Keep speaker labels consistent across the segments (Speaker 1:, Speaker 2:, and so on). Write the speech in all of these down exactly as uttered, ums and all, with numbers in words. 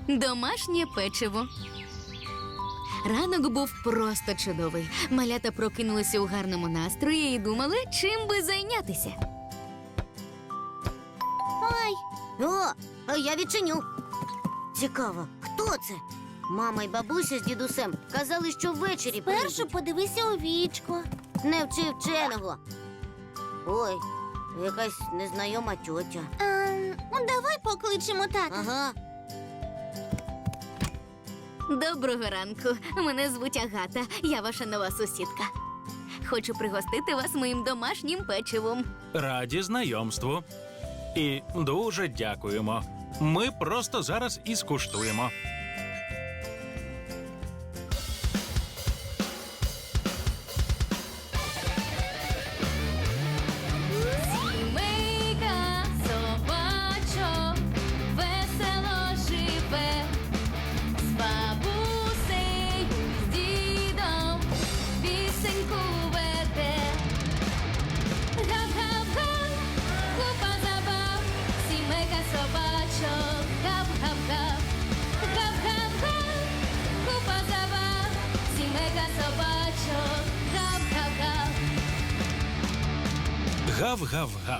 Speaker 1: Домашнє печиво. Ранок був просто чудовий. Малята прокинулися у гарному настрої і думали, чим би зайнятися.
Speaker 2: Ой, о, а я відчиню. Цікаво, хто це? Мама й бабуся з дідусем казали, що ввечері
Speaker 3: Першу
Speaker 2: прийдуть.
Speaker 3: подивися у вічко.
Speaker 2: Не вчи вченого. Ой, якась незнайома тьотя.
Speaker 3: Ем, давай покличемо тата.
Speaker 2: Ага.
Speaker 1: Доброго ранку. Мене звуть Агата. Я ваша нова сусідка. Хочу пригостити вас моїм домашнім печивом.
Speaker 4: Раді знайомству. І дуже дякуємо. Ми просто зараз і скуштуємо.
Speaker 1: Сімейка собачок весело живе, з бабусею, з дідом пісеньку веде. Гав-гав-га, купа забав, сімейка собачок, гав-гав-гав. Гав-гав-га, купа забав, сімейка собачок, гав-гав-гав.
Speaker 4: Гав-гав-гав.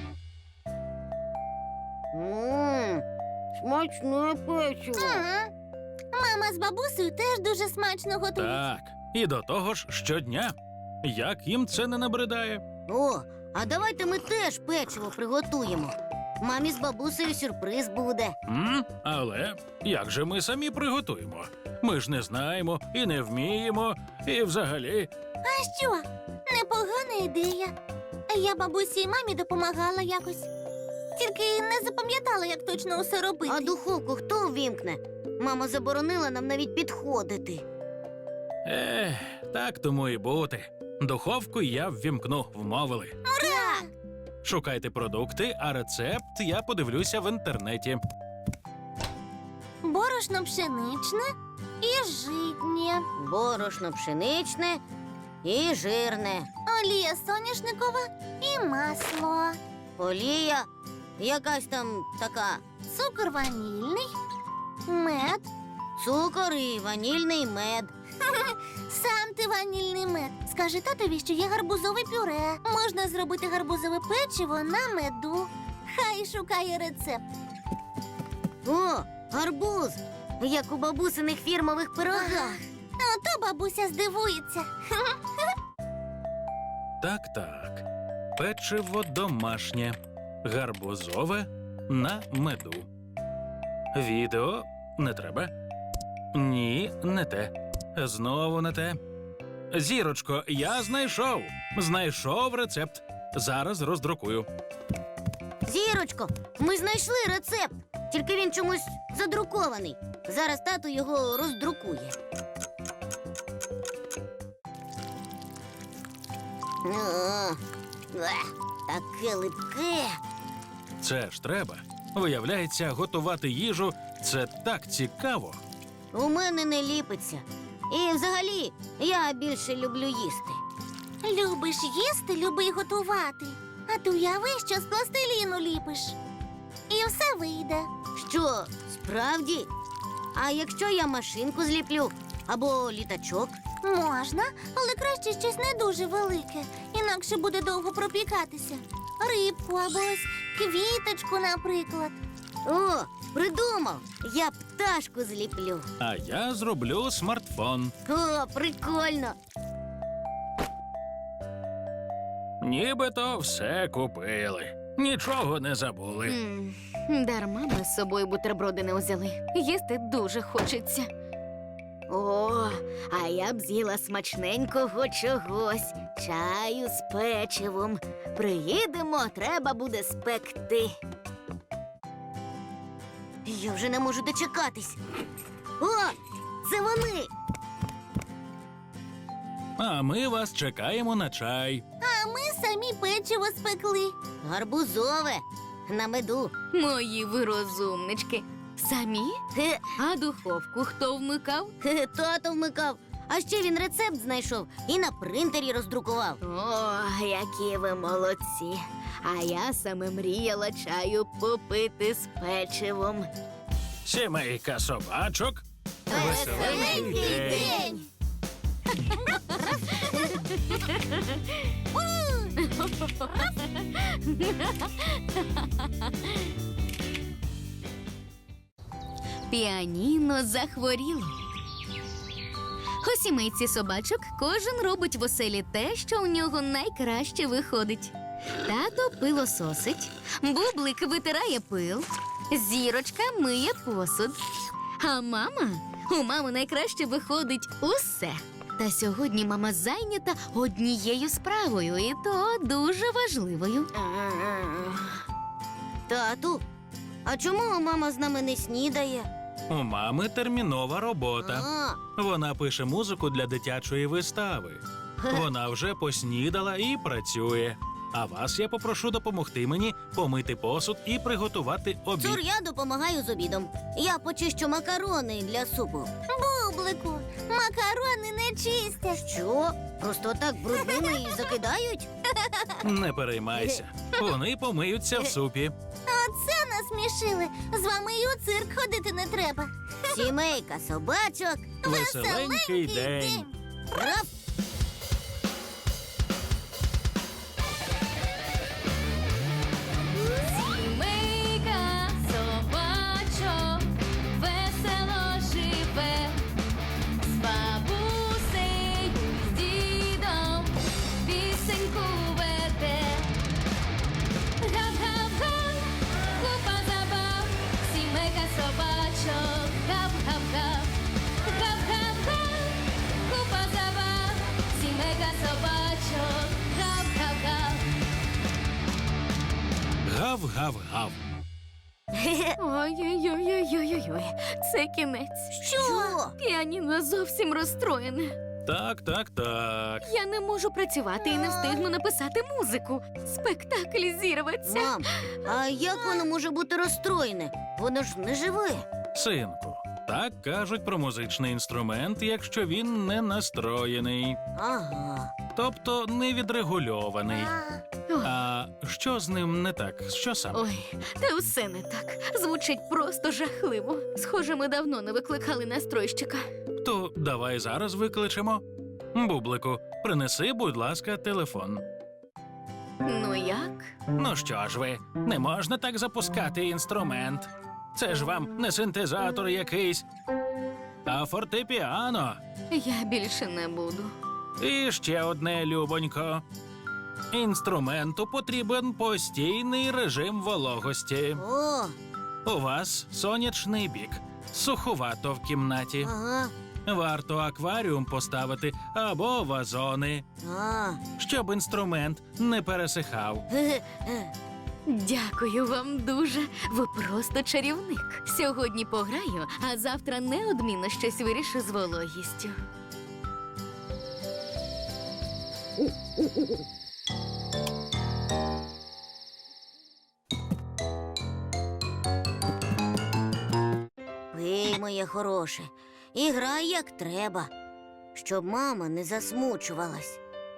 Speaker 2: Ммм, смачне печиво.
Speaker 3: Ага. Мама з бабусею теж дуже смачно готують.
Speaker 4: Так. І до того ж щодня. Як їм це не набридає?
Speaker 2: О, а давайте ми теж печиво приготуємо. Мамі з бабусею сюрприз буде.
Speaker 4: М? Але як же ми самі приготуємо? Ми ж не знаємо і не вміємо, і взагалі.
Speaker 3: А що? Непогана ідея. Я бабусі і мамі допомагала якось. Тільки не запам'ятала, як точно усе робити.
Speaker 2: А духовку хто увімкне? Мама заборонила нам навіть підходити.
Speaker 4: Ех, так тому і бути. Духовку я ввімкну, вмовили.
Speaker 3: Ура!
Speaker 4: Шукайте продукти, а рецепт я подивлюся в інтернеті.
Speaker 3: Борошно пшеничне і житнє.
Speaker 2: Борошно пшеничне і жирне.
Speaker 3: Олія соняшникова і масло.
Speaker 2: Олія якась там така.
Speaker 3: Цукор ванільний, мед.
Speaker 2: Цукор і ванільний мед.
Speaker 3: Сам ти ванільний мед. Скажи татові, що є гарбузове пюре. Можна зробити гарбузове печиво на меду. Хай шукає рецепт.
Speaker 2: О, гарбуз! Як у бабусиних фірмових пирогах.
Speaker 3: Ото бабуся здивується.
Speaker 4: Так-так. Печиво домашнє. Гарбузове на меду. Відео не треба. Ні, не те. Знову не те. Зірочко, я знайшов. Знайшов рецепт. Зараз роздрукую.
Speaker 2: Зірочко, ми знайшли рецепт. Тільки він чомусь задрукований. Зараз тато його роздрукує. О, ех, таке липке.
Speaker 4: Це ж треба. Виявляється, готувати їжу – це так цікаво.
Speaker 2: У мене не ліпиться. І взагалі, я більше люблю їсти.
Speaker 3: Любиш їсти, люби й готувати. А ти уяви, що з пластиліну ліпиш. І все вийде.
Speaker 2: Що, справді? А якщо я машинку зліплю або літачок?
Speaker 3: Можна, але краще щось не дуже велике, інакше буде довго пропікатися. Рибку або ось квіточку, наприклад.
Speaker 2: О, придумав! Я пташку зліплю.
Speaker 4: А я зроблю смартфон.
Speaker 2: О, прикольно!
Speaker 4: Нібито все купили. Нічого не забули.
Speaker 1: М, Дарма ми з собою бутерброди не взяли. Їсти дуже хочеться. О, а я б з'їла смачненького чогось. Чаю з печивом. Приїдемо, треба буде спекти.
Speaker 2: Я вже не можу дочекатись. О, це вони!
Speaker 4: А ми вас чекаємо на чай.
Speaker 3: А ми самі печиво спекли.
Speaker 2: Гарбузове на меду.
Speaker 1: Мої ви розумнички. Самі?
Speaker 2: Хе,
Speaker 1: А духовку хто вмикав?
Speaker 2: хе, тато вмикав. А ще він рецепт знайшов і на принтері роздрукував.
Speaker 1: О, які ви молодці. А я саме мріяла чаю попити з печивом.
Speaker 4: Сімейка собачок. Веселенький день.
Speaker 1: Піаніно захворіло. У сімейці собачок кожен робить в оселі те, що у нього найкраще виходить. Тато пилососить, Бублик витирає пил, Зірочка миє посуд. А мама? У мами найкраще виходить усе. Та сьогодні мама зайнята однією справою, і то дуже важливою.
Speaker 2: Тату, а чому мама з нами не снідає?
Speaker 4: У мами термінова робота.
Speaker 2: А,
Speaker 4: Вона пише музику для дитячої вистави. Вона вже поснідала і працює. А вас я попрошу допомогти мені помити посуд і приготувати обід.
Speaker 2: Цур, я допомагаю з обідом. Я почищу макарони для супу.
Speaker 3: Бублику, макарони не чистять.
Speaker 2: Що? Просто так брудними і закидають?
Speaker 4: Не переймайся. Вони помиються в супі.
Speaker 3: Оце насмішили. З вами і у цирк ходити не треба.
Speaker 2: Сімейка собачок.
Speaker 4: Веселенький день.
Speaker 2: Раф!
Speaker 1: Сімейка собачок весело живе, з бабусею, з дідом пісеньку веде. Гап-гап-га, купа забав, сімейка собачок, гап-гап-га. Гап-гап-га, купа забав, сімейка собачок, гап-гап-га.
Speaker 4: Гав-гав-гав.
Speaker 1: Ой-ой-ой-ой-ой-ой, це кінець.
Speaker 2: Що?
Speaker 1: Піаніно зовсім розстроєне.
Speaker 4: Так, так, так.
Speaker 1: Я не можу працювати і не встигну написати музику. Спектакль зірветься.
Speaker 2: Мам, а як воно може бути розстроєне? Воно ж не живе.
Speaker 4: Синку, так кажуть про музичний інструмент, якщо він не настроєний,
Speaker 2: Ага.
Speaker 4: тобто не відрегульований.
Speaker 3: А,
Speaker 4: А що з ним не так? Що саме?
Speaker 1: Ой, та усе не так. Звучить просто жахливо. Схоже, ми давно не викликали настройщика.
Speaker 4: То давай зараз викличемо. Бублику, принеси, будь ласка, телефон.
Speaker 1: Ну як?
Speaker 4: Ну що ж ви, не можна так запускати інструмент. Це ж вам не синтезатор якийсь, а фортепіано.
Speaker 1: Я більше не буду.
Speaker 4: І ще одне, любонько. Інструменту потрібен постійний режим вологості.
Speaker 2: О,
Speaker 4: У вас сонячний бік, суховато в кімнаті.
Speaker 2: ага.
Speaker 4: Варто акваріум поставити або вазони,
Speaker 2: А.
Speaker 4: щоб інструмент не пересихав.
Speaker 2: Ге-ге.
Speaker 1: Дякую вам дуже. Ви просто чарівник. Сьогодні пограю, а завтра неодмінно щось вирішу з вологістю.
Speaker 2: Пий, моє хороше, і грай як треба, щоб мама не засмучувалась.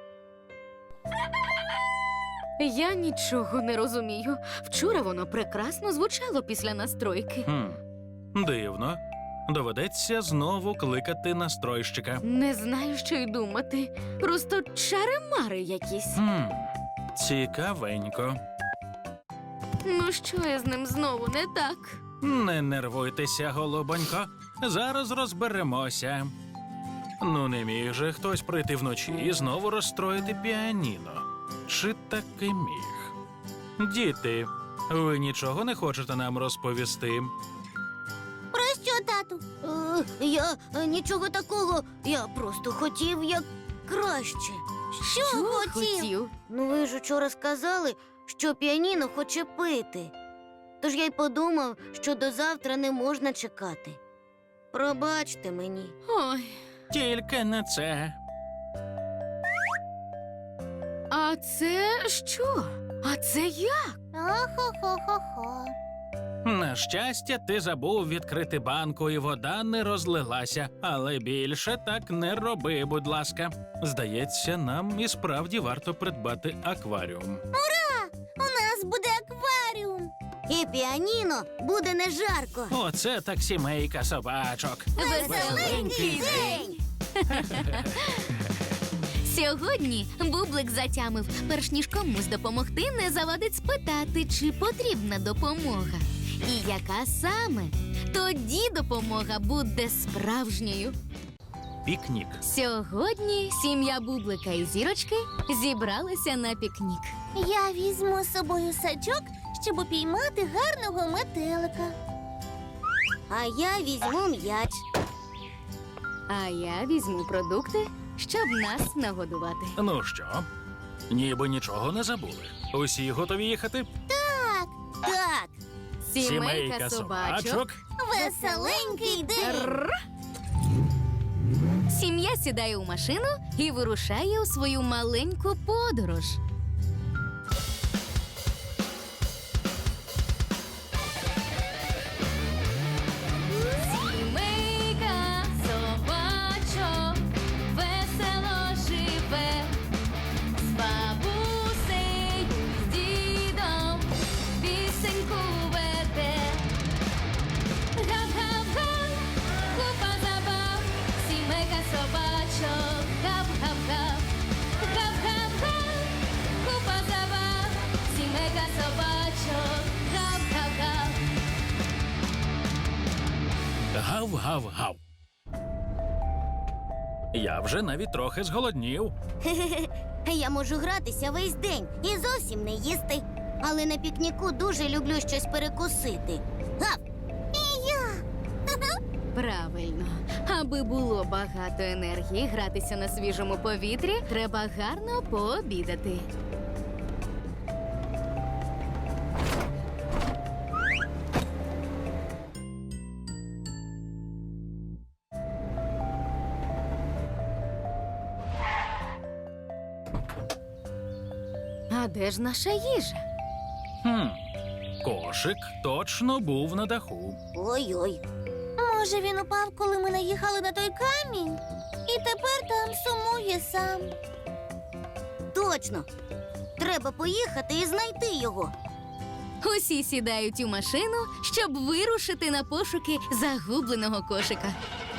Speaker 1: Я нічого не розумію. Вчора воно прекрасно звучало після настройки.
Speaker 4: Хм, дивно. Доведеться знову кликати настройщика.
Speaker 1: Не знаю, що й думати. Просто чари-мари якісь.
Speaker 4: Хм, цікавенько.
Speaker 1: Ну що я з ним знову не так?
Speaker 4: Не нервуйтеся, голубонько. Зараз розберемося. Ну, не міг же хтось прийти вночі і знову розстроїти піаніно. Чи таки міг? Діти, ви нічого не хочете нам розповісти?
Speaker 3: про що, тату?
Speaker 2: Е, я е, нічого такого, я просто хотів як краще.
Speaker 3: Що, хотів?
Speaker 2: Ну ви ж учора сказали, що піаніно хоче пити. Тож я й подумав, що до завтра не можна чекати. Пробачте мені.
Speaker 1: Ой,
Speaker 4: Тільки не це.
Speaker 1: а це що? А це як?
Speaker 3: Охо-хо-хо-хо.
Speaker 4: На щастя, ти забув відкрити банку, і вода не розлилася. Але більше так не роби, будь ласка. Здається, нам і справді варто придбати акваріум.
Speaker 3: У нас буде акваріум.
Speaker 2: і піаніно буде не жарко.
Speaker 4: Оце так сімейка собачок.
Speaker 1: Веселенький день! Сьогодні Бублик затямив, перш ніж комусь допомогти, не завадить спитати, чи потрібна допомога. І яка саме? Тоді допомога буде справжньою.
Speaker 4: Пікнік.
Speaker 1: Сьогодні сім'я Бублика і Зірочки зібралися на пікнік.
Speaker 3: Я візьму з собою сачок, щоб упіймати гарного метелика.
Speaker 2: А я візьму м'яч.
Speaker 1: А я візьму продукти, щоб нас нагодувати.
Speaker 4: Ну що, ніби нічого не забули. Усі готові їхати?
Speaker 2: Так,
Speaker 1: Сімейка собачок.
Speaker 3: Веселенький день!
Speaker 1: Рр. Сім'я сідає у машину і вирушає у свою маленьку подорож. Сімейка собачок весело живе, з бабусею, з дідом пісеньку веде. Гав-гав-га, купа забав, сімейка собачок, гав-гав-гав. Гав-гав-га, купа забав, сімейка собачок, гав-гав-гав.
Speaker 4: Гав-гав-гав. Я вже навіть трохи зголоднів.
Speaker 2: я можу гратися весь день і зовсім не їсти. Але на пікніку дуже люблю щось перекусити. Гав!
Speaker 1: Правильно. Аби було багато енергії гратися на свіжому повітрі, треба гарно пообідати. А де ж наша їжа?
Speaker 4: Хм. Кошик точно був на даху.
Speaker 2: Ой-ой.
Speaker 3: Може, він упав, коли ми наїхали на той камінь? І тепер там сумує сам.
Speaker 2: Точно. Треба поїхати і знайти його.
Speaker 1: Усі сідають у машину, щоб вирушити на пошуки загубленого кошика.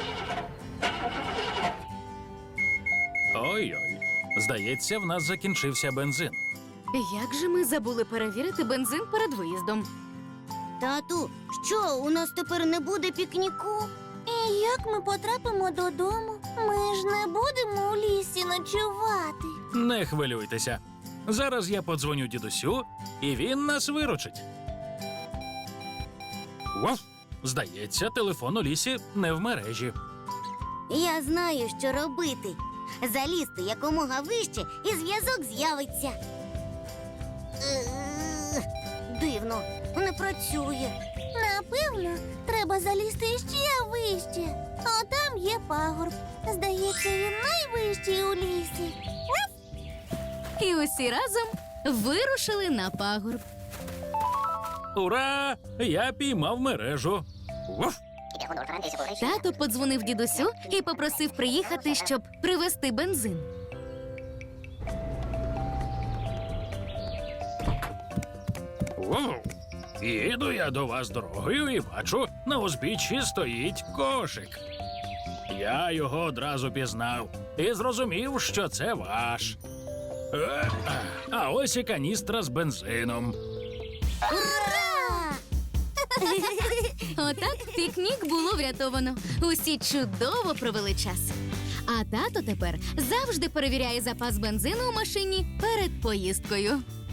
Speaker 4: Ой-ой. Здається, в нас закінчився бензин.
Speaker 1: Як же ми забули перевірити бензин перед виїздом?
Speaker 2: Тату, що, у нас тепер не буде пікніку?
Speaker 3: І як ми потрапимо додому? Ми ж не будемо у лісі ночувати.
Speaker 4: Не хвилюйтеся. Зараз я подзвоню дідусю, і він нас виручить. Вов! Здається, телефон у лісі не в мережі.
Speaker 2: Я знаю, що робити. Залізти якомога вище, і зв'язок з'явиться. Е, Дивно, не працює.
Speaker 3: Напевно, треба залізти ще вище. А там є пагорб. Здається, він найвищий у лісі.
Speaker 1: І усі разом вирушили на пагорб.
Speaker 4: Ура! Я піймав мережу. Вов!
Speaker 1: Тато подзвонив дідусю і попросив приїхати, щоб привезти бензин.
Speaker 4: Вов! Їду я до вас дорогою і бачу, на узбіччі стоїть кошик. Я його одразу пізнав і зрозумів, що це ваш. Е, А ось і каністра з бензином.
Speaker 2: Ура!
Speaker 1: Отак пікнік було врятовано. Усі чудово провели час. А тато тепер завжди перевіряє запас бензину у машині перед поїздкою.